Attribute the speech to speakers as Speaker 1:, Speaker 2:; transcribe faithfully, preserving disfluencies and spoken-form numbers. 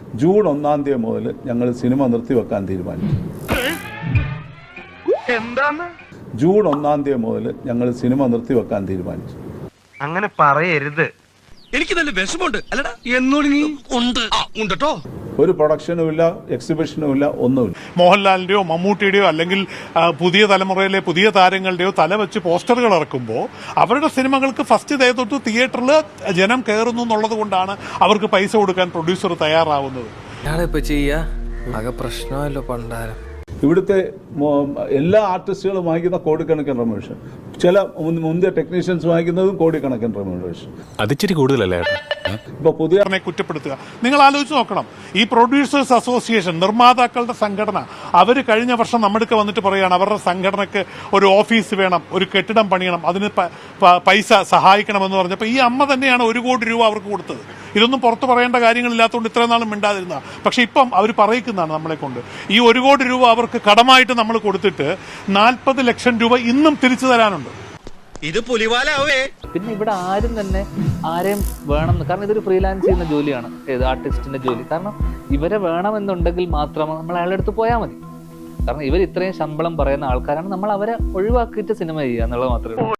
Speaker 1: June ഒന്നാം തീയതി മുതൽ ഞങ്ങൾ സിനിമ നിർത്തിവെക്കാൻ തീരുമാനിച്ചു. ജൂൺ ഒന്നാം തീയതി മുതൽ ഞങ്ങൾ സിനിമ നിർത്തിവെക്കാൻ തീരുമാനിച്ചു.
Speaker 2: അങ്ങനെ പറയരുത്.
Speaker 3: എനിക്ക് നല്ല വിഷമമുണ്ട് അല്ലടാ എന്നോട് നീ ഉണ്ട് ഉണ്ടോ.
Speaker 1: ഒരു പ്രൊഡക്ഷനും ഇല്ല, എക്സിബിഷനും ഇല്ല, ഒന്നുമില്ല.
Speaker 4: മോഹൻലാലിന്റെയോ മമ്മൂട്ടിയുടെയോ അല്ലെങ്കിൽ പുതിയ തലമുറയിലെ പുതിയ താരങ്ങളുടെയോ തല വെച്ച് പോസ്റ്ററുകൾ ഇറക്കുമ്പോൾ അവരുടെ സിനിമകൾക്ക് ഫസ്റ്റ് ഡേ തൊട്ട് തിയേറ്ററിൽ ജനം കയറുന്നു എന്നുള്ളത് കൊണ്ടാണ് അവർക്ക് പൈസ കൊടുക്കാൻ പ്രൊഡ്യൂസർ തയ്യാറാവുന്നത്.
Speaker 1: ഇവിടുത്തെ എല്ലാ ആർട്ടിസ്റ്റുകളും വാങ്ങിക്കുന്ന കോടിക്കണക്കിന് റെമ്യൂണറേഷൻ, ചില മുന്തിയ ടെക്നീഷ്യൻസ് വാങ്ങിക്കുന്നതും കോടിക്കണക്കിന് റെമ്യൂണറേഷൻ.
Speaker 5: അതിച്ചിരി കൂടുതലല്ലേ?
Speaker 1: ഇപ്പൊ പുതിയ
Speaker 4: കുറ്റപ്പെടുത്തുക. നിങ്ങൾ ആലോചിച്ച് നോക്കണം, ഈ പ്രൊഡ്യൂസേഴ്സ് അസോസിയേഷൻ, നിർമ്മാതാക്കളുടെ സംഘടന, അവർ കഴിഞ്ഞ വർഷം നമ്മുടെ വന്നിട്ട് പറയുകയാണ് അവരുടെ സംഘടനയ്ക്ക് ഒരു ഓഫീസ് വേണം, ഒരു കെട്ടിടം പണിയണം, അതിന് പൈസ സഹായിക്കണമെന്ന് പറഞ്ഞപ്പോൾ ഈ അമ്മ തന്നെയാണ് ഒരു കോടി രൂപ അവർക്ക് കൊടുത്തത്. ഇതൊന്നും പുറത്ത് പറയേണ്ട കാര്യങ്ങളില്ലാത്തതുകൊണ്ട് ഇത്രയും നാളും മിണ്ടാതിരുന്ന. പക്ഷെ ഇപ്പം അവർ പറയിക്കുന്നതാണ് നമ്മളെ കൊണ്ട്. ഈ ഒരു കോടി രൂപ അവർക്ക് കടമായിട്ട് നമ്മൾ കൊടുത്തിട്ട് നാൽപ്പത് ലക്ഷം രൂപ ഇന്നും തിരിച്ചു തരാനുണ്ട്.
Speaker 3: ഇത് പുലിവാലാവേ.
Speaker 6: പിന്നെ ഇവിടെ ആരും തന്നെ ആരെയും വേണം, കാരണം ഇതൊരു ഫ്രീലാൻസ് ചെയ്യുന്ന ജോലിയാണ്, ഏത് ആർട്ടിസ്റ്റിന്റെ ജോലി. കാരണം ഇവരെ വേണമെന്നുണ്ടെങ്കിൽ മാത്രം നമ്മൾ അയാളുടെ അടുത്ത് പോയാൽ മതി. കാരണം ഇവർ ഇത്രയും ശമ്പളം പറയുന്ന ആൾക്കാരാണ്, നമ്മൾ അവരെ ഒഴിവാക്കിയിട്ട് സിനിമ ചെയ്യുക എന്നുള്ളത് മാത്രമേ ഉള്ളൂ.